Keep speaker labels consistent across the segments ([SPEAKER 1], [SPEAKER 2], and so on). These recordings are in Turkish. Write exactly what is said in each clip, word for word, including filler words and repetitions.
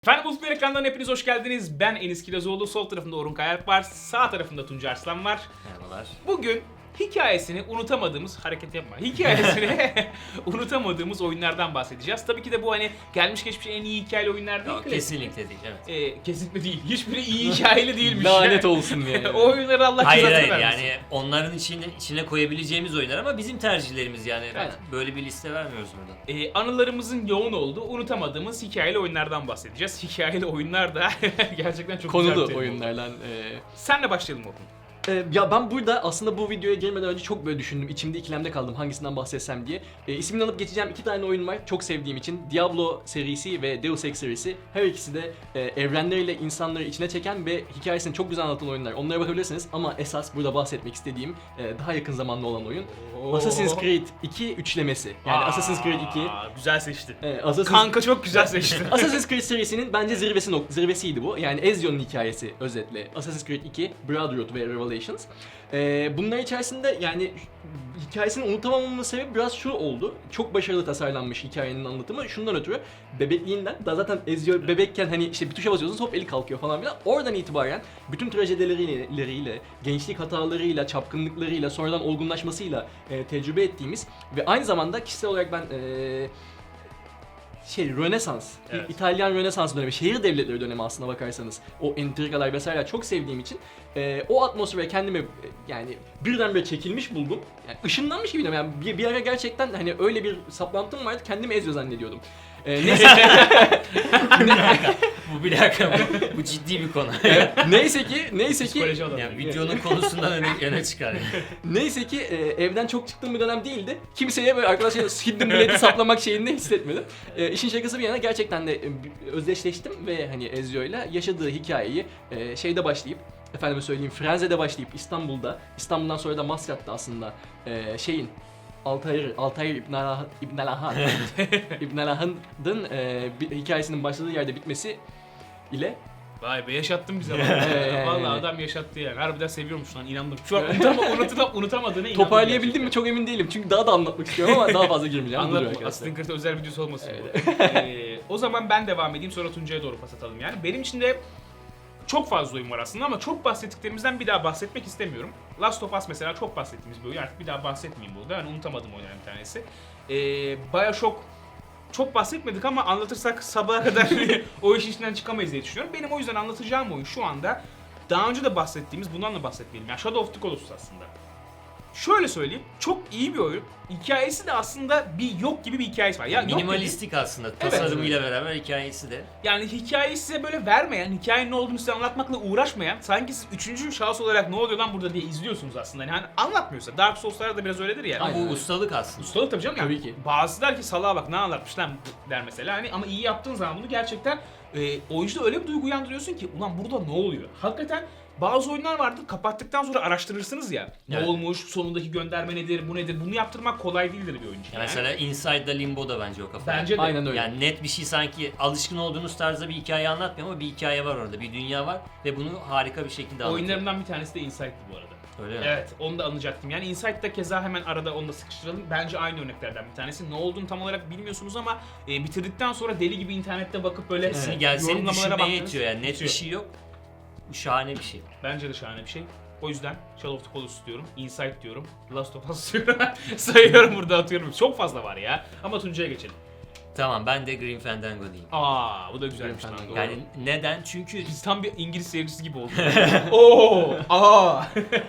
[SPEAKER 1] Efendim Bulutlar ekranlarına hepiniz hoş geldiniz. Ben Enis Kirazoğlu, sol tarafımda Orhun Kayalp var, sağ tarafımda Tuncay Arslan var.
[SPEAKER 2] Merhabalar.
[SPEAKER 1] Bugün hikayesini unutamadığımız, hareket yapma, hikayesini unutamadığımız oyunlardan bahsedeceğiz. Tabii ki de bu hani gelmiş geçmiş en iyi hikayeli oyunlar değil.
[SPEAKER 2] Yok, kesinlikle değil, evet.
[SPEAKER 1] Ee, kesinlikle değil. Hiçbiri iyi hikayeli değilmiş.
[SPEAKER 3] Lanet olsun yani.
[SPEAKER 1] O oyunları Allah
[SPEAKER 2] Hayır
[SPEAKER 1] cezasını
[SPEAKER 2] hayır
[SPEAKER 1] vermesin.
[SPEAKER 2] yani onların içine, içine koyabileceğimiz oyunlar ama bizim tercihlerimiz yani.
[SPEAKER 1] Evet.
[SPEAKER 2] Böyle bir liste vermiyoruz burada.
[SPEAKER 1] Ee, anılarımızın yoğun olduğu, unutamadığımız hikayeli oyunlardan bahsedeceğiz. Hikayeli oyunlar da gerçekten çok güzel bir
[SPEAKER 3] Konulu
[SPEAKER 1] terim oldu.
[SPEAKER 3] oyunlardan. E,
[SPEAKER 1] Senle başlayalım Orhun.
[SPEAKER 3] e, ya ben burada aslında bu videoya girmeden önce çok böyle düşündüm. İçimde ikilemde kaldım hangisinden bahsetsem diye. E, ismini alıp geçeceğim iki tane oyun var. Çok sevdiğim için. Diablo serisi ve Deus Ex serisi. Her ikisi de e, evrenleriyle insanları içine çeken ve hikayesini çok güzel anlatan oyunlar. Onlara bakabilirsiniz ama esas burada bahsetmek istediğim e, daha yakın zamanda olan oyun.
[SPEAKER 1] Oo.
[SPEAKER 3] Assassin's Creed iki üçlemesi. Yani
[SPEAKER 1] Aa,
[SPEAKER 3] Assassin's Creed iki.
[SPEAKER 1] Güzel seçtin.
[SPEAKER 3] E, Assassin's
[SPEAKER 1] Kanka çok güzel seçtin.
[SPEAKER 3] Assassin's Creed serisinin bence zirvesi nok- zirvesiydi bu. Yani Ezio'nun hikayesi özetle. Assassin's Creed iki, Brotherhood ve Revelations. Ee, bunlar içerisinde yani hikayesini unutamamamın sebebi biraz şu oldu. Çok başarılı tasarlanmış hikayenin anlatımı. Şundan ötürü bebekliğinden, daha zaten Ezio bebekken hani işte bir tuşa basıyorsunuz hop eli kalkıyor falan filan. Oradan itibaren bütün trajedileriyle, gençlik hatalarıyla, çapkınlıklarıyla, sonradan olgunlaşmasıyla e, tecrübe ettiğimiz ve aynı zamanda kişisel olarak ben e, şey Rönesans,
[SPEAKER 1] Evet.
[SPEAKER 3] İtalyan Rönesans dönemi, şehir devletleri dönemi aslına bakarsanız o entrikalar vesaire çok sevdiğim için e, o atmosfere kendimi e, yani birdenbire çekilmiş buldum. Yani ışınlanmış gibiydim yani bir, bir ara gerçekten hani öyle bir saplantım vardı kendimi Ezio zannediyordum. E, neyse,
[SPEAKER 2] Bu bir dakika, bu, bu ciddi bir konu.
[SPEAKER 3] e, neyse ki neyse ki
[SPEAKER 1] Psikoloji adamı.
[SPEAKER 2] Yani videonun konusundan öne, öne çıkar. Yani.
[SPEAKER 3] Neyse ki e, evden çok çıktığım bir dönem değildi. Kimseye böyle arkadaşlar hidden bileti saplamak şeyini hissetmedim. E, işin şakası bir yana gerçekten de e, özdeşleştim ve hani Ezio'yla yaşadığı hikayeyi e, şeyde başlayıp efendime söyleyeyim Frenze'de başlayıp İstanbul'da, İstanbul'dan sonra da Maskat'ta aslında e, şeyin Altair, Altair İbn Alahan, İbn Alahan, İbn Alahan'ın e, bir- hikayesinin başladığı yerde bitmesi ile
[SPEAKER 1] Vay be yaşattın bize
[SPEAKER 3] Ee,
[SPEAKER 1] valla. Vallahi adam yaşattı yani. Harbiden seviyormuş lan inandım. Şu an unutama, unutup, unutamadığına inandım.
[SPEAKER 3] toparlayabildim mi çok emin değilim çünkü daha da anlatmak istiyorum ama daha fazla girmeyeceğim. Budur
[SPEAKER 1] Anlatma.
[SPEAKER 3] arkadaşlar.
[SPEAKER 1] Assassin's Creed özel videosu olmasın bu. Ee, o zaman ben devam edeyim sonra Tuncay'a doğru pas atalım yani. Benim için de çok fazla oyun var aslında ama çok bahsettiklerimizden bir daha bahsetmek istemiyorum. Last of Us mesela çok bahsettiğimiz bir oyun. Artık bir daha bahsetmeyeyim burada. Yani unutamadığım oyunlardan bir tanesi. Ee, Bioshock çok bahsetmedik ama anlatırsak sabaha kadar o işin içinden çıkamayız diye düşünüyorum. Benim o yüzden anlatacağım oyun şu anda daha önce de bahsettiğimiz, bundan da bahsetmeyelim. Yani Shadow of the Colossus aslında. Şöyle söyleyeyim, çok iyi bir oyun. Hikayesi de aslında bir yok gibi bir hikayesi var. Ya yok
[SPEAKER 2] Minimalistik aslında, tasarımıyla beraber hikayesi de.
[SPEAKER 1] yani hikayeyi size böyle vermeyen, hikayenin ne olduğunu size anlatmakla uğraşmayan, sanki siz üçüncü şahıs olarak ne oluyor lan burada diye izliyorsunuz aslında. Yani hani anlatmıyorsa. Dark Souls'larda da biraz öyledir ya.
[SPEAKER 2] Ama
[SPEAKER 3] Aynen.
[SPEAKER 2] bu ustalık aslında.
[SPEAKER 1] Ustalık tabii canım yani.
[SPEAKER 3] Tabii ki.
[SPEAKER 1] Bazısı der ki salağa bak ne anlatmış lan bu der mesela hani ama iyi yaptığın zaman bunu gerçekten e, oyuncuda öyle bir duygu uyandırıyorsun ki ulan burada ne oluyor? Hakikaten bazı oyunlar vardır kapattıktan sonra araştırırsınız ya. Ne
[SPEAKER 2] Evet.
[SPEAKER 1] olmuş, sonundaki gönderme nedir, bu nedir? Bunu yaptırmak kolay değildir bir oyuncu.
[SPEAKER 2] Yani mesela Inside'da Limbo'da bence o kafa.
[SPEAKER 1] Bence de.
[SPEAKER 3] Aynen öyle.
[SPEAKER 2] Yani net bir şey sanki alışkın olduğunuz tarzda bir hikaye anlatmıyor ama bir hikaye var orada, bir dünya var ve bunu harika bir şekilde anlatıyor.
[SPEAKER 1] Oyunlarımdan bir tanesi de Insight'tı bu arada.
[SPEAKER 2] Öyle mi?
[SPEAKER 1] Evet, onu da anacaktım. Yani Insight'ta keza hemen arada onu da sıkıştıralım. Bence aynı örneklerden bir tanesi. Ne olduğunu tam olarak bilmiyorsunuz ama e, bitirdikten sonra deli gibi internette bakıp böyle
[SPEAKER 2] Kesin
[SPEAKER 1] e,
[SPEAKER 2] gel seni
[SPEAKER 1] yorumlamalara
[SPEAKER 2] düşünmeye
[SPEAKER 1] baktınız.
[SPEAKER 2] yetiyor yani net bir
[SPEAKER 1] Bitiyor.
[SPEAKER 2] şey yok. Bu şahane bir şey.
[SPEAKER 1] Bence de şahane bir şey. O yüzden Shadow of the Colossus diyorum, Insight diyorum, Last of Us diyorum. Sayıyorum burada atıyorum. Çok fazla var ya. Ama Tuncay'a geçelim.
[SPEAKER 2] Tamam, ben de Grim Fandango diyeyim.
[SPEAKER 1] Aa, bu da güzelmiş
[SPEAKER 3] Grim
[SPEAKER 1] lan.
[SPEAKER 3] Fandango.
[SPEAKER 1] Doğru.
[SPEAKER 2] Yani neden? Çünkü
[SPEAKER 1] Biz tam bir İngiliz sevgisi gibi olduk. Oo, aa.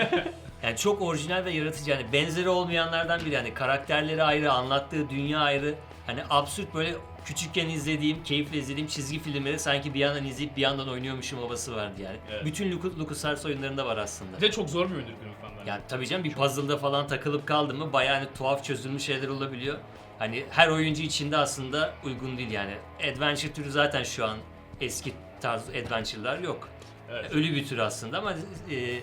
[SPEAKER 2] yani çok orijinal ve yaratıcı, yani benzeri olmayanlardan biri. Yani karakterleri ayrı, anlattığı dünya ayrı. Hani absürt, böyle küçükken izlediğim, keyifle izlediğim çizgi filmleri sanki bir yandan izleyip bir yandan oynuyormuşum havası vardı yani.
[SPEAKER 1] Evet.
[SPEAKER 2] Bütün Lucas, LucasArts oyunlarında var aslında.
[SPEAKER 1] Bir de çok zor bir oyundur Grim Fandango.
[SPEAKER 2] Yani tabii canım, bir puzzle'da falan takılıp kaldı mı bayağı hani tuhaf çözülmüş şeyler olabiliyor. Hani her oyuncu için de aslında uygun değil yani. Adventure türü zaten şu an eski tarz adventure'lar yok.
[SPEAKER 1] Evet.
[SPEAKER 2] Ölü bir tür aslında ama e,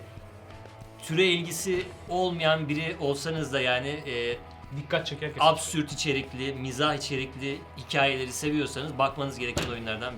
[SPEAKER 2] türe ilgisi olmayan biri olsanız da yani e,
[SPEAKER 1] Dikkat çeker
[SPEAKER 2] absürt içerikli, mizah içerikli hikayeleri seviyorsanız bakmanız gereken oyunlardan biri.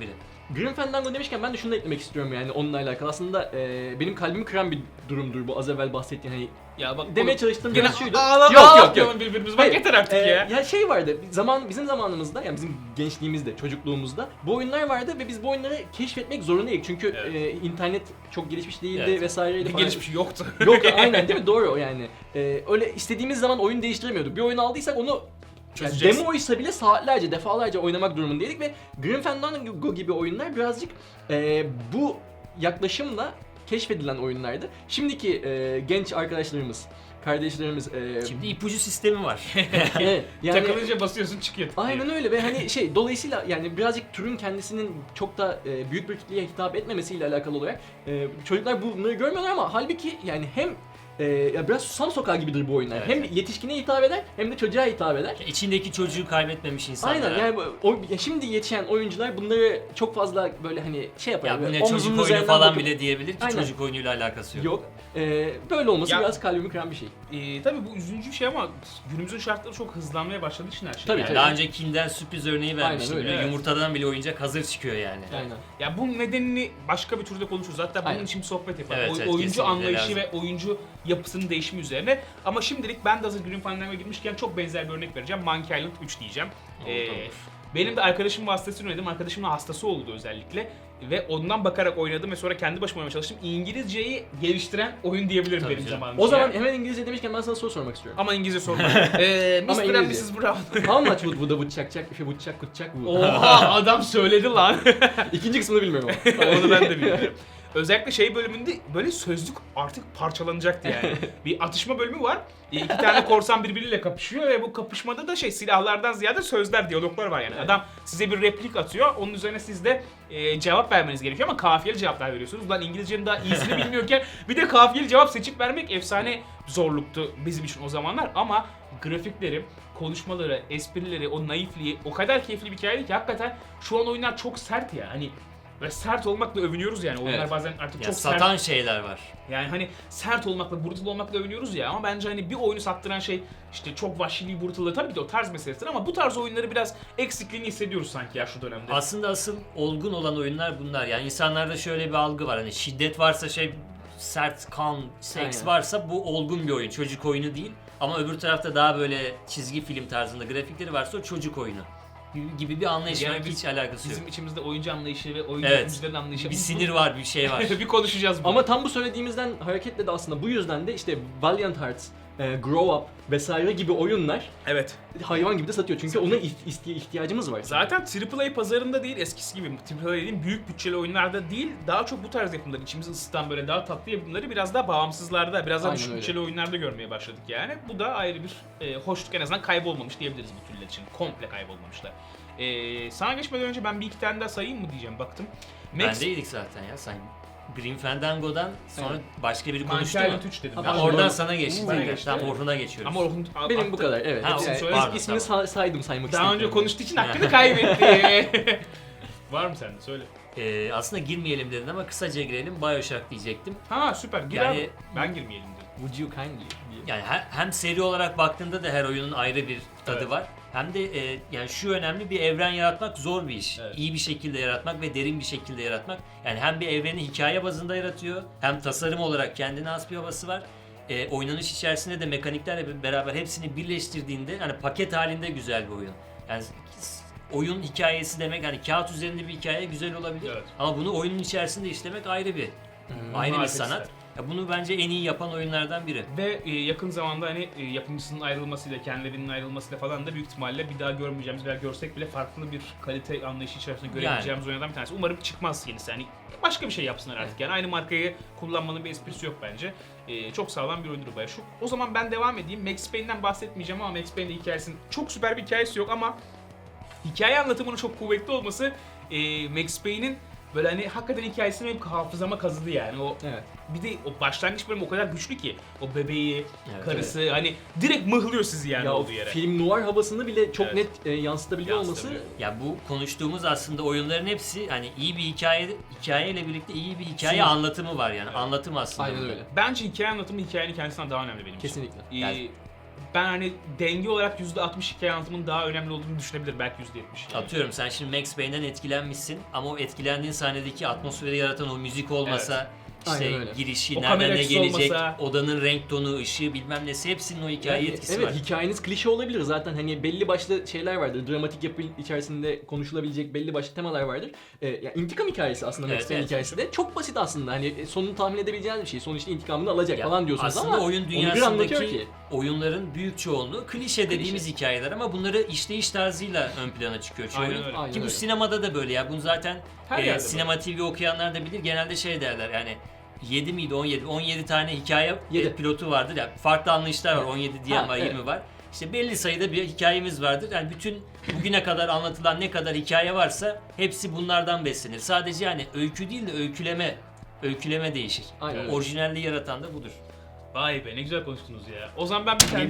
[SPEAKER 3] Grim Fandango demişken ben de şunu da eklemek istiyorum yani onunla alakalı. Aslında e, benim kalbimi kıran bir durumdur bu az evvel bahsettiğin hani
[SPEAKER 1] Ya bak
[SPEAKER 3] demeye
[SPEAKER 1] oğlum,
[SPEAKER 3] çalıştığım
[SPEAKER 1] gene
[SPEAKER 3] biraz şuydu.
[SPEAKER 1] ağlama
[SPEAKER 3] Yok, yok, yok.
[SPEAKER 1] atmayalım birbirimize. Bak
[SPEAKER 3] Hayır,
[SPEAKER 1] yeter artık
[SPEAKER 3] e,
[SPEAKER 1] ya.
[SPEAKER 3] Ya şey vardı, zaman bizim zamanımızda yani bizim gençliğimizde, çocukluğumuzda bu oyunlar vardı ve biz bu oyunları keşfetmek zorundaydık. Çünkü
[SPEAKER 1] Evet.
[SPEAKER 3] e, internet çok gelişmiş değildi
[SPEAKER 2] Evet.
[SPEAKER 3] vesaireydi falan.
[SPEAKER 1] Gelişmiş yoktu.
[SPEAKER 3] Yok aynen değil mi? Doğru yani. E, öyle istediğimiz zaman oyun değiştiremiyorduk. Bir oyun aldıysak onu yani
[SPEAKER 1] Çözeceksin.
[SPEAKER 3] demoysa bile saatlerce, defalarca oynamak durumundaydık ve Grim Fandango gibi oyunlar birazcık e, bu yaklaşımla keşfedilen oyunlardı. Şimdiki e, genç arkadaşlarımız, kardeşlerimiz e,
[SPEAKER 2] Şimdi ipucu sistemi var.
[SPEAKER 3] evet, yani
[SPEAKER 1] Takılınca basıyorsun çıkıyor.
[SPEAKER 3] aynen öyle ve hani şey dolayısıyla yani birazcık türün kendisinin çok da e, büyük bir kitleye hitap etmemesiyle alakalı olarak e, çocuklar bunları görmüyorlar ama halbuki yani hem e, ya biraz Susam Sokağı gibidir bu oyunlar.
[SPEAKER 2] Evet,
[SPEAKER 3] Hem
[SPEAKER 2] evet.
[SPEAKER 3] yetişkine hitap eder hem de çocuğa hitap eder.
[SPEAKER 2] İçindeki çocuğu kaybetmemiş insanlar.
[SPEAKER 3] Aynen yani bu- o, ya şimdi yetişen oyuncular bunları çok fazla böyle hani şey yapar.
[SPEAKER 2] Ya bu
[SPEAKER 3] böyle
[SPEAKER 2] ne
[SPEAKER 3] omzunun
[SPEAKER 2] çocuk oyunu
[SPEAKER 3] üzerinden
[SPEAKER 2] falan
[SPEAKER 3] bakıp-
[SPEAKER 2] bile diyebilir ki
[SPEAKER 3] Aynen.
[SPEAKER 2] çocuk oyunuyla alakası yok.
[SPEAKER 3] Yok. E, böyle olması
[SPEAKER 1] Ya-
[SPEAKER 3] biraz kalbimi kıran bir şey.
[SPEAKER 1] Ee, tabii bu üzücü bir şey ama günümüzün şartları çok hızlanmaya başladığı için her şey.
[SPEAKER 3] Tabii,
[SPEAKER 1] yani.
[SPEAKER 3] tabii.
[SPEAKER 2] Daha önce Kinder sürpriz örneği vermiştim.
[SPEAKER 3] öyle,
[SPEAKER 2] Böyle
[SPEAKER 1] evet.
[SPEAKER 2] Yumurtadan bile oyuncak hazır çıkıyor yani.
[SPEAKER 3] Aynen.
[SPEAKER 1] Ya bunun nedenini başka bir türde konuşuruz. Hatta bunun
[SPEAKER 3] Aynen.
[SPEAKER 1] için bir sohbet yapalım.
[SPEAKER 2] Evet,
[SPEAKER 1] Oy-
[SPEAKER 2] evet,
[SPEAKER 1] oyuncu
[SPEAKER 2] kesinlikle
[SPEAKER 1] anlayışı
[SPEAKER 2] lazım.
[SPEAKER 1] ve oyuncu yapısının değişimi üzerine. Ama şimdilik ben de hazır Grim Fandango'ya girmişken çok benzer bir örnek vereceğim. Monkey Island üç diyeceğim.
[SPEAKER 2] Olur,
[SPEAKER 1] Ee,
[SPEAKER 2] olur.
[SPEAKER 1] benim de arkadaşım vasıtasıyla oynadım. Arkadaşımın hastası oldu özellikle. Ve ondan bakarak oynadım ve sonra kendi başıma oynamaya çalıştım. İngilizceyi geliştiren oyun diyebilirim
[SPEAKER 2] Tabii
[SPEAKER 1] benim
[SPEAKER 2] canım.
[SPEAKER 1] zamanımda.
[SPEAKER 3] O zaman hemen İngilizce demişken ben sana soru sormak istiyorum.
[SPEAKER 1] Ama İngilizce sorma. ee,
[SPEAKER 3] Ama
[SPEAKER 1] mister and
[SPEAKER 3] İngilizce.
[SPEAKER 1] missus Brown.
[SPEAKER 3] How much would would would çak çak if you would çak would çak would.
[SPEAKER 1] Oha adam söyledi lan.
[SPEAKER 3] İkinci kısmını bilmiyorum ama.
[SPEAKER 1] Onu ben de bilmiyorum. Özellikle şey bölümünde böyle sözlük artık parçalanacaktı yani. Bir atışma bölümü var. İki tane korsan birbiriyle kapışıyor ve bu kapışmada da şey silahlardan ziyade sözler, diyaloglar var yani.
[SPEAKER 3] Evet.
[SPEAKER 1] Adam size bir replik atıyor. Onun üzerine siz de e, cevap vermeniz gerekiyor ama kafiyeli cevaplar veriyorsunuz. Lan İngilizcenin daha iyisini bilmiyorken bir de kafiyeli cevap seçip vermek efsane zorluktu bizim için o zamanlar ama grafikleri, konuşmaları, esprileri, o naifliği o kadar keyifli bir hikayeydi ki hakikaten şu an oyunlar çok sert ya. Hani ve sert olmakla övünüyoruz yani. Oyunlar
[SPEAKER 3] Evet.
[SPEAKER 1] bazen artık
[SPEAKER 2] Ya
[SPEAKER 1] çok
[SPEAKER 2] satan
[SPEAKER 1] sert.
[SPEAKER 2] şeyler var.
[SPEAKER 1] Yani hani sert olmakla, brutal olmakla övünüyoruz ya ama bence hani bir oyunu sattıran şey işte çok vahşiliği, brutallığı tabii ki de o tarz meselesidir ama bu tarz oyunları biraz eksikliğini hissediyoruz sanki ya şu dönemde.
[SPEAKER 2] Aslında asıl olgun olan oyunlar bunlar. Yani insanlarda şöyle bir algı var. Hani şiddet varsa şey sert, kan, seks
[SPEAKER 3] Aynen.
[SPEAKER 2] varsa bu olgun bir oyun. Çocuk oyunu değil. Ama öbür tarafta daha böyle çizgi film tarzında grafikleri varsa o çocuk oyunu gibi bir anlayış
[SPEAKER 1] Yani
[SPEAKER 2] var ki
[SPEAKER 1] biz-
[SPEAKER 2] hiç alakası yok.
[SPEAKER 1] Bizim içimizde oyuncu anlayışı ve oyuncu
[SPEAKER 2] Evet.
[SPEAKER 1] yapımcıların anlayışı.
[SPEAKER 2] Bir
[SPEAKER 1] Bu-
[SPEAKER 2] sinir var, bir şey var.
[SPEAKER 1] bir konuşacağız bunu.
[SPEAKER 3] Ama tam bu söylediğimizden hareketle de aslında bu yüzden de işte Valiant Hearts, e, Grow Up vesaire gibi oyunlar
[SPEAKER 1] evet.
[SPEAKER 3] hayvan gibi de satıyor. Çünkü ona iht- iste- ihtiyacımız var.
[SPEAKER 1] Zaten Triple A pazarında değil eskisi gibi Triple A dediğim büyük bütçeli oyunlarda değil daha çok bu tarz yapımları içimizi ısıtan böyle daha tatlı yapımları biraz daha bağımsızlarda biraz daha
[SPEAKER 3] Aynen
[SPEAKER 1] düşük
[SPEAKER 3] öyle.
[SPEAKER 1] bütçeli oyunlarda görmeye başladık yani. Bu da ayrı bir e, hoşluk en azından kaybolmamış diyebiliriz bu türler için. Komple kaybolmamışlar. E, sana geçmeden önce ben bir iki tane daha sayayım mı diyeceğim baktım. Max
[SPEAKER 2] Bendeydik zaten ya. Sen Grim Fandango'dan sonra
[SPEAKER 3] Evet.
[SPEAKER 2] başka biri
[SPEAKER 1] Monkey
[SPEAKER 2] konuştu mu?
[SPEAKER 1] Island üç dedim.
[SPEAKER 3] Ha,
[SPEAKER 1] ben.
[SPEAKER 3] pardon.
[SPEAKER 2] Oradan sana geçti.
[SPEAKER 1] Bana
[SPEAKER 2] Tamam,
[SPEAKER 1] geçti.
[SPEAKER 2] Tamam Orhun'a geçiyoruz.
[SPEAKER 1] Ama Orhun
[SPEAKER 3] Benim
[SPEAKER 1] attı.
[SPEAKER 3] bu kadar evet.
[SPEAKER 2] Ha,
[SPEAKER 3] Yani
[SPEAKER 1] onu
[SPEAKER 3] is-
[SPEAKER 1] söyle.
[SPEAKER 3] ismini
[SPEAKER 2] Pardon,
[SPEAKER 3] sa- saydım saymak
[SPEAKER 1] Daha önce
[SPEAKER 3] istemiyorum.
[SPEAKER 1] konuştuğu için hakkını kaybetti. Var mı sende? Söyle.
[SPEAKER 2] Ee, aslında girmeyelim dedin ama kısaca girelim. Bioshock diyecektim.
[SPEAKER 1] Ha süper. Gir
[SPEAKER 2] Yani-
[SPEAKER 1] abi. Ben girmeyelim dedim.
[SPEAKER 3] Would you kindly? diye.
[SPEAKER 2] Yani he- hem seri olarak baktığında da her oyunun ayrı bir tadı
[SPEAKER 1] Evet.
[SPEAKER 2] var. Hem de e, yani şu önemli, bir evren yaratmak zor bir iş.
[SPEAKER 1] Evet.
[SPEAKER 2] İyi bir şekilde yaratmak ve derin bir şekilde yaratmak. Yani hem bir evreni hikaye bazında yaratıyor, hem tasarım olarak kendine has bir havası var. E, oynanış içerisinde de mekaniklerle beraber hepsini birleştirdiğinde hani paket halinde güzel bir oyun. Yani s- oyun hikayesi demek hani kağıt üzerinde bir hikaye güzel olabilir.
[SPEAKER 1] Evet.
[SPEAKER 2] Ama bunu oyunun içerisinde işlemek ayrı bir ayrı bir
[SPEAKER 1] marifet
[SPEAKER 2] sanat.
[SPEAKER 1] ister.
[SPEAKER 2] Ya bunu bence en iyi yapan oyunlardan biri.
[SPEAKER 1] Ve e, yakın zamanda hani e, yapımcısının ayrılmasıyla, kendilerinin ayrılmasıyla falan da büyük ihtimalle bir daha görmeyeceğimiz veya görsek bile farklı bir kalite anlayışı içerisinde görebileceğimiz oyunlardan bir tanesi. Umarım çıkmaz yenisi. Hani başka bir şey yapsınlar artık. Yani aynı markayı kullanmanın bir esprisi yok bence. E, çok sağlam bir oyundur Bioshock. O zaman ben devam edeyim. Max Payne'den bahsetmeyeceğim ama Max Payne'in hikayesinin çok süper bir hikayesi yok ama hikaye anlatımının çok kuvvetli olması e, Max Payne'in böyle hani hakikaten hikayesini hep hafızama kazıdı yani. O
[SPEAKER 3] Evet.
[SPEAKER 1] bir de o başlangıç bölümü o kadar güçlü ki. O bebeği,
[SPEAKER 2] Evet,
[SPEAKER 1] karısı hani direkt mıhlıyor sizi yani
[SPEAKER 3] Ya o
[SPEAKER 1] olduğu yere.
[SPEAKER 3] film noir havasını bile çok
[SPEAKER 1] Evet.
[SPEAKER 3] net e, yansıtabiliyor olması
[SPEAKER 1] Yansıtabiliyor.
[SPEAKER 2] Ya bu konuştuğumuz aslında oyunların hepsi hani iyi bir hikaye hikayeyle birlikte iyi bir hikaye
[SPEAKER 1] Sunum.
[SPEAKER 2] anlatımı var yani.
[SPEAKER 1] Evet.
[SPEAKER 2] Anlatım aslında.
[SPEAKER 3] aynen
[SPEAKER 2] burada.
[SPEAKER 3] öyle.
[SPEAKER 1] Bence hikaye anlatımı hikayenin kendisinden daha önemli benim için.
[SPEAKER 3] Kesinlikle.
[SPEAKER 1] Ee,
[SPEAKER 2] Yani
[SPEAKER 1] ben hani denge olarak yüzde altmış hikaye anlatımının daha önemli olduğunu düşünebilir, belki yüzde yetmiş.
[SPEAKER 2] Atıyorum sen şimdi Max Payne'den etkilenmişsin ama o etkilendiğin sahnedeki atmosferi yaratan o müzik olmasa, işte
[SPEAKER 3] Aynen öyle.
[SPEAKER 2] girişi,
[SPEAKER 1] O kamera
[SPEAKER 2] nereden ne
[SPEAKER 1] açısı
[SPEAKER 2] gelecek,
[SPEAKER 1] olmasa-
[SPEAKER 2] odanın renk tonu, ışığı bilmem nesi hepsinin o hikaye
[SPEAKER 3] Yani
[SPEAKER 2] etkisi
[SPEAKER 3] evet,
[SPEAKER 2] var.
[SPEAKER 3] hikayeniz klişe olabilir zaten, hani belli başlı şeyler vardır. Dramatik yapı içerisinde konuşulabilecek belli başlı temalar vardır. Ee, yani intikam hikayesi aslında
[SPEAKER 2] Evet,
[SPEAKER 3] Max Payne
[SPEAKER 2] evet.
[SPEAKER 3] hikayesi de çok basit aslında. Hani sonunu tahmin edebileceğiniz bir şey. Sonuçta intikamını alacak
[SPEAKER 2] Ya
[SPEAKER 3] falan diyorsunuz
[SPEAKER 2] aslında
[SPEAKER 3] ama
[SPEAKER 2] oyun
[SPEAKER 3] onu bir anlatıyor
[SPEAKER 2] dünyasındaki
[SPEAKER 3] ki.
[SPEAKER 2] oyunların büyük çoğunluğu klişe dediğimiz hikayeler ama bunları işleyiş tarzıyla ön plana çıkıyor çoğu
[SPEAKER 1] Aynen
[SPEAKER 2] oyun.
[SPEAKER 1] öyle.
[SPEAKER 3] Aynen
[SPEAKER 2] Ki bu
[SPEAKER 3] öyle.
[SPEAKER 2] sinemada da böyle ya. Bunu zaten
[SPEAKER 1] Her
[SPEAKER 2] e,
[SPEAKER 1] yerde
[SPEAKER 2] sinema T V okuyanlar da bilir. Genelde şey derler yani yedi miydi on yedi? on yedi tane hikaye
[SPEAKER 3] Yedi.
[SPEAKER 2] e, pilotu vardır ya. Farklı anlayışlar var. on yedi diyen
[SPEAKER 3] Ha,
[SPEAKER 2] var,
[SPEAKER 3] evet.
[SPEAKER 2] yirmi var. İşte belli sayıda bir hikayemiz vardır. Yani bütün bugüne kadar anlatılan ne kadar hikaye varsa hepsi bunlardan beslenir. Sadece yani öykü değil de öyküleme öyküleme değişir.
[SPEAKER 3] Aynen öyle.
[SPEAKER 2] Orijinalliği yaratan da budur.
[SPEAKER 1] Vay be, ne güzel konuştunuz ya. O zaman ben bir tane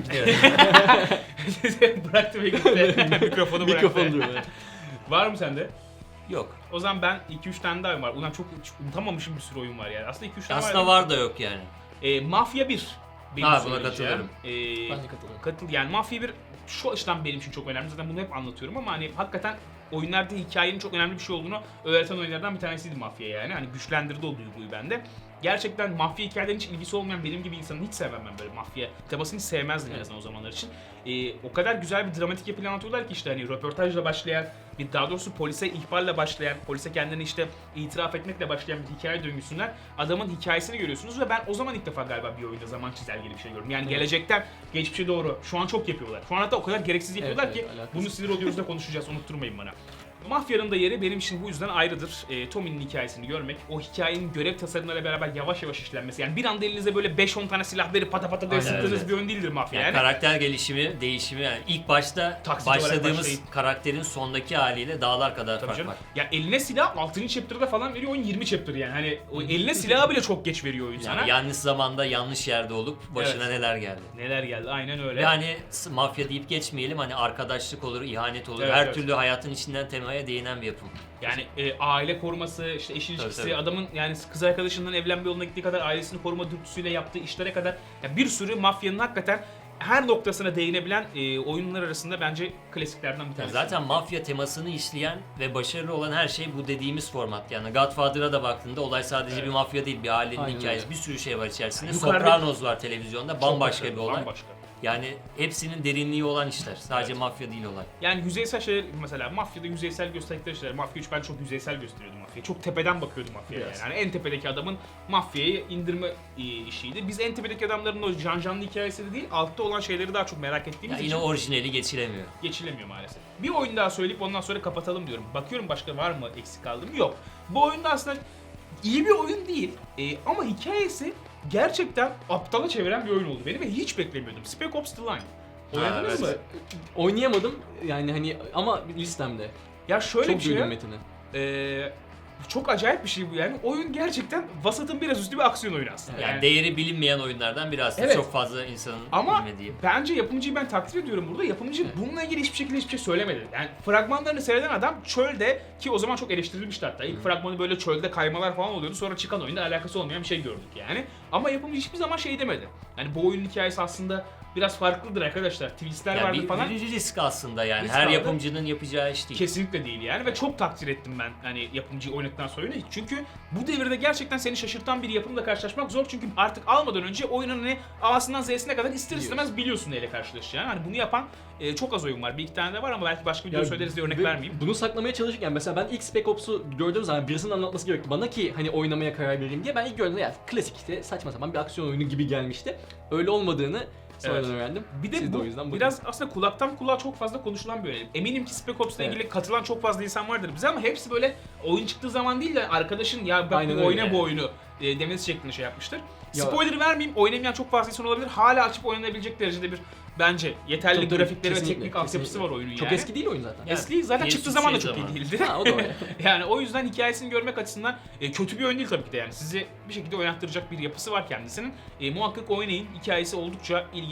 [SPEAKER 2] Evet.
[SPEAKER 1] bıraktı ve gitti. Mikrofonu bıraktı.
[SPEAKER 3] Mikrofon duruyor.
[SPEAKER 1] Var mı sende?
[SPEAKER 2] Yok.
[SPEAKER 1] O zaman ben iki üç tane daha oyun var. Ulan çok hiç unutamamışım bir sürü oyun var yani. Aslında iki üç tane
[SPEAKER 2] Aslında
[SPEAKER 1] var.
[SPEAKER 2] var da yok yani.
[SPEAKER 1] E, Mafya bir. Benim
[SPEAKER 2] Ha, buna
[SPEAKER 1] söyleyeceğim.
[SPEAKER 2] katılırım.
[SPEAKER 1] E,
[SPEAKER 3] Ben de katılıyorum.
[SPEAKER 1] Katıl yani Mafya bir şu açıdan benim için çok önemli. Zaten bunu hep anlatıyorum ama hani hakikaten oyunlarda hikayenin çok önemli bir şey olduğunu öğreten oyunlardan bir tanesiydi Mafya yani. Hani güçlendirdi o duyguyu bende. Gerçekten mafya hikayelerinin hiç ilgisi olmayan benim gibi insanın hiç sevmem ben böyle mafya temasını hiç sevmezdim en azından o zamanlar için. Ee, o kadar güzel bir dramatik yapıyla anlatıyorlar ki işte hani röportajla başlayan, bir daha doğrusu polise ihbarla başlayan, polise kendini işte itiraf etmekle başlayan bir hikaye döngüsünden adamın hikayesini görüyorsunuz ve ben o zaman ilk defa galiba bir oyunda zaman çizelgeli bir şey gördüm. Yani
[SPEAKER 3] Evet.
[SPEAKER 1] gelecekten geçmişe doğru. Şu an çok yapıyorlar. Şu an hatta o kadar gereksiz yapıyorlar
[SPEAKER 3] Evet,
[SPEAKER 1] ki
[SPEAKER 3] evet, alakası.
[SPEAKER 1] bunu sinir oluyoruz da konuşacağız, unutturmayın bana. Mafya'nın da yeri benim için bu yüzden ayrıdır. E, Tommy'nin hikayesini görmek, o hikayenin görev tasarımlarıyla beraber yavaş yavaş işlenmesi. Yani bir anda elinize böyle beş on tane silah verip pata pata diye
[SPEAKER 3] Aynen,
[SPEAKER 1] sıktığınız
[SPEAKER 2] evet.
[SPEAKER 1] bir oyun değildir Mafya.
[SPEAKER 2] Yani,
[SPEAKER 1] Yani,
[SPEAKER 2] karakter gelişimi, değişimi yani ilk başta
[SPEAKER 1] Taksici olarak
[SPEAKER 2] başladığımız
[SPEAKER 1] başlayıp-
[SPEAKER 2] karakterin sondaki haliyle dağlar kadar
[SPEAKER 1] Tabii
[SPEAKER 2] fark
[SPEAKER 1] canım.
[SPEAKER 2] var.
[SPEAKER 1] Ya eline silah altıncı chapter'da falan veriyor, oyun yirmi chapter yani. Hani o eline silahı bile çok geç veriyor oyun sana.
[SPEAKER 2] Yani yanlış zamanda yanlış yerde olup başına
[SPEAKER 1] Evet.
[SPEAKER 2] neler geldi.
[SPEAKER 1] Neler geldi, aynen öyle.
[SPEAKER 2] Ve hani s- mafya deyip geçmeyelim hani arkadaşlık olur, ihanet olur.
[SPEAKER 1] Evet,
[SPEAKER 2] Her
[SPEAKER 1] evet.
[SPEAKER 2] türlü hayatın içinden temaya değinen bir yapım.
[SPEAKER 1] Yani e, aile koruması, işte eş ilişkisi,
[SPEAKER 2] tabii.
[SPEAKER 1] adamın yani kız arkadaşından evlenme yoluna gittiği kadar ailesini koruma dürtüsüyle yaptığı işlere kadar ya bir sürü mafyanın hakikaten her noktasına değinebilen e, oyunlar arasında bence klasiklerden bir
[SPEAKER 2] Yani
[SPEAKER 1] tanesi.
[SPEAKER 2] zaten mafya temasını işleyen ve başarılı olan her şey bu dediğimiz format. Yani Godfather'a da baktığında olay sadece
[SPEAKER 1] Evet.
[SPEAKER 2] bir mafya değil, bir ailenin
[SPEAKER 3] Aynen
[SPEAKER 2] hikayesi.
[SPEAKER 3] öyle.
[SPEAKER 2] Bir sürü şey var içerisinde.
[SPEAKER 1] Yukarıda-
[SPEAKER 2] Sopranos var televizyonda,
[SPEAKER 1] Çok
[SPEAKER 2] bambaşka
[SPEAKER 1] başarılı,
[SPEAKER 2] bir olay.
[SPEAKER 1] Bambaşka.
[SPEAKER 2] Yani hepsinin derinliği olan işler. Sadece
[SPEAKER 1] Evet.
[SPEAKER 2] mafya değil olay.
[SPEAKER 1] Yani yüzeysel şeyler, mesela mafyada yüzeysel gösterdikleri şeyler. Mafya üç ben çok yüzeysel gösteriyordum mafyayı. Çok tepeden bakıyordum mafyaya
[SPEAKER 3] Biraz.
[SPEAKER 1] yani. Yani en tepedeki adamın mafyayı indirme e, işiydi. Biz en tepedeki adamların o can canlı hikayesi de değil, altta olan şeyleri daha çok merak
[SPEAKER 2] Ya
[SPEAKER 1] ettiğimiz
[SPEAKER 2] yine
[SPEAKER 1] için
[SPEAKER 2] orijinali geçilemiyor.
[SPEAKER 1] geçilemiyor maalesef. Bir oyun daha söyleyip ondan sonra kapatalım diyorum. Bakıyorum başka var mı eksik kaldığım? Yok. Bu oyunda aslında iyi bir oyun değil e, ama hikayesi gerçekten aptala çeviren bir oyun oldu benim ve hiç beklemiyordum. Spec Ops The Line. Oynadınız
[SPEAKER 2] evet.
[SPEAKER 1] mı?
[SPEAKER 3] Oynayamadım yani hani ama listemde.
[SPEAKER 1] Ya şöyle
[SPEAKER 3] Çok
[SPEAKER 1] bir şey.
[SPEAKER 3] duydum metini.
[SPEAKER 1] Ee, çok acayip bir şey bu yani. Oyun gerçekten vasatın biraz üstü bir aksiyon oyunu aslında.
[SPEAKER 2] Yani, değeri bilinmeyen oyunlardan biri aslında.
[SPEAKER 1] Evet.
[SPEAKER 2] Çok fazla insanın
[SPEAKER 1] Ama
[SPEAKER 2] bilmediği.
[SPEAKER 1] bence yapımcıyı ben takdir ediyorum burada. Yapımcı
[SPEAKER 3] Evet.
[SPEAKER 1] bununla ilgili hiçbir şekilde hiçbir şey söylemedi. Yani fragmanlarını seyreden adam çölde, ki o zaman çok eleştirilmişti hatta. İlk fragmanı böyle çölde kaymalar falan oluyordu. Sonra çıkan oyunda alakası olmayan bir şey gördük yani. Ama yapımcı hiçbir zaman şey demedi. Yani bu oyunun hikayesi aslında biraz farklıdır arkadaşlar. Twistler
[SPEAKER 2] Yani
[SPEAKER 1] vardı
[SPEAKER 2] bir,
[SPEAKER 1] falan.
[SPEAKER 2] bir risk aslında yani.
[SPEAKER 1] Risk
[SPEAKER 2] Her
[SPEAKER 1] aldı.
[SPEAKER 2] yapımcının yapacağı iş değil.
[SPEAKER 1] Kesinlikle değil yani ve çok takdir ettim ben hani yapımcıyı oynadıktan sonra oyunu. Çünkü bu devirde gerçekten seni şaşırtan bir yapımla karşılaşmak zor çünkü artık almadan önce oyunun hani A'sından Z'sine kadar ister istemez biliyorsun neyle karşılaşacağını. Hani bunu yapan e, çok az oyun var. Bir iki tane de var ama belki başka video
[SPEAKER 3] Ya,
[SPEAKER 1] söyleriz diye örnek
[SPEAKER 3] ve
[SPEAKER 1] vermeyeyim.
[SPEAKER 3] Bunu saklamaya çalışırken mesela ben ilk Spec Ops'u gördüğüm zaman birisinin anlatması gerekti bana ki hani oynamaya karar vereyim diye. Ben ilk gördüğümde ya klasik işte saçma sapan bir aksiyon oyunu gibi gelmişti. Öyle olmadığını sonradan
[SPEAKER 1] Evet.
[SPEAKER 3] öğrendim.
[SPEAKER 1] Bir de
[SPEAKER 3] Siz de
[SPEAKER 1] bu
[SPEAKER 3] o yüzden bakın.
[SPEAKER 1] biraz aslında kulaktan kulağa çok fazla konuşulan bir oyun. Eminim ki Spec Ops'la
[SPEAKER 3] Evet.
[SPEAKER 1] ilgili katılan çok fazla insan vardır bize ama hepsi böyle oyun çıktığı zaman değil de arkadaşın ya bak
[SPEAKER 3] Aynen
[SPEAKER 1] bu
[SPEAKER 3] öyle
[SPEAKER 1] oyna
[SPEAKER 2] yani.
[SPEAKER 1] bu oyunu e, demesi şeklinde şey yapmıştır.
[SPEAKER 3] Ya-
[SPEAKER 1] Spoiler vermeyeyim, oynamayan çok fazla insan olabilir. Hala açıp oynanabilecek derecede bir bence yeterli
[SPEAKER 3] Tabii, tabii,
[SPEAKER 1] grafikleri ve
[SPEAKER 3] kesinlikle,
[SPEAKER 1] teknik altyapısı
[SPEAKER 3] kesinlikle.
[SPEAKER 1] var oyunun
[SPEAKER 3] Çok
[SPEAKER 1] yani.
[SPEAKER 3] eski değil oyun zaten.
[SPEAKER 2] Ya,
[SPEAKER 1] Eski zaten
[SPEAKER 2] P S
[SPEAKER 1] çıktığı zaman da
[SPEAKER 2] şey
[SPEAKER 1] çok iyi
[SPEAKER 2] zamanı.
[SPEAKER 1] değildi.
[SPEAKER 3] Ha, o da öyle.
[SPEAKER 1] Yani o yüzden hikayesini görmek açısından e, kötü bir oyun değil tabii ki de yani. Sizi bir şekilde oynattıracak bir yapısı var kendisinin. E, muhakkak oynayın. Hikayesi oldukça ilginç.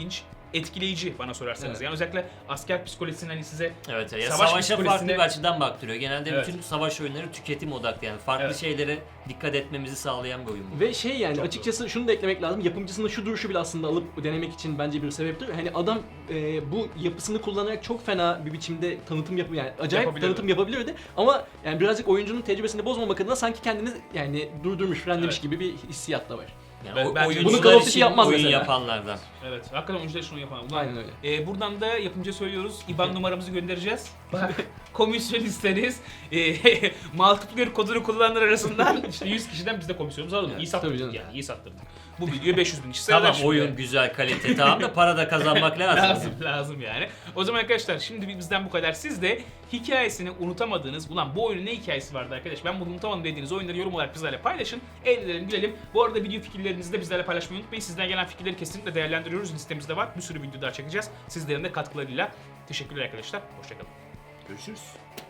[SPEAKER 1] etkileyici bana sorarsanız.
[SPEAKER 3] Evet.
[SPEAKER 1] Yani özellikle asker psikolojisinin hani size
[SPEAKER 2] Evet ya
[SPEAKER 1] Savaş
[SPEAKER 2] savaşa farklı
[SPEAKER 1] psikolojisine-
[SPEAKER 2] bir açıdan baktırıyor. Genelde
[SPEAKER 1] Evet.
[SPEAKER 2] bütün savaş oyunları tüketim odaklı yani farklı
[SPEAKER 1] Evet.
[SPEAKER 2] şeylere dikkat etmemizi sağlayan bir oyun bu.
[SPEAKER 3] Ve şey yani
[SPEAKER 1] Çok
[SPEAKER 3] açıkçası şunu da eklemek lazım. Yapımcısının şu duruşu bile aslında alıp denemek için bence bir sebeptir. Hani adam e, bu yapısını kullanarak çok fena bir biçimde tanıtım yapı yani acayip
[SPEAKER 1] Yapabilirdi.
[SPEAKER 3] tanıtım yapabilirdi. Ama yani birazcık oyuncunun tecrübesini bozmamak adına sanki kendini yani durdurmuş, frenlemiş
[SPEAKER 1] Evet.
[SPEAKER 3] gibi bir hissiyat da var.
[SPEAKER 2] Yani
[SPEAKER 1] Ben-
[SPEAKER 2] o-
[SPEAKER 1] bence-
[SPEAKER 2] oyuncular
[SPEAKER 3] Bunu Call of Duty
[SPEAKER 2] için
[SPEAKER 3] yapmaz
[SPEAKER 2] oyun
[SPEAKER 3] mesela.
[SPEAKER 2] yapanlardan.
[SPEAKER 1] evet hakikaten oyuncular şunu yapamam. Ulan,
[SPEAKER 3] Aynen öyle.
[SPEAKER 1] e, buradan da yapımcıya söylüyoruz. İ B A N numaramızı göndereceğiz. Bak komisyon isteriz. E, multiplayer kodunu kullananlar arasından işte yüz kişiden biz de komisyonumuzu alalım.
[SPEAKER 3] Evet,
[SPEAKER 1] iyi
[SPEAKER 3] tabii
[SPEAKER 1] sattırdık
[SPEAKER 3] canım.
[SPEAKER 1] yani iyi sattırdık. Bu videoya beş yüz bin kişi
[SPEAKER 2] Tamam
[SPEAKER 1] seyreder şimdi.
[SPEAKER 2] oyun güzel kalite tamam da para da kazanmak lazım.
[SPEAKER 1] Lazım lazım yani. O zaman arkadaşlar şimdi bizden bu kadar. Siz de hikayesini unutamadığınız, ulan bu oyunun ne hikayesi vardı arkadaş ben bunu unutamadım dediğiniz oyunları yorum olarak bizlerle paylaşın. Eğlenelim, gülelim. Bu arada video fikirlerinizi de bizlerle paylaşmayı unutmayın. Sizden gelen fikirleri kesinlikle değerlendiriyoruz. Listemizde var. Bir sürü video daha çekeceğiz. Sizlerin de katkılarıyla. Teşekkürler arkadaşlar. Hoşçakalın.
[SPEAKER 2] Görüşürüz.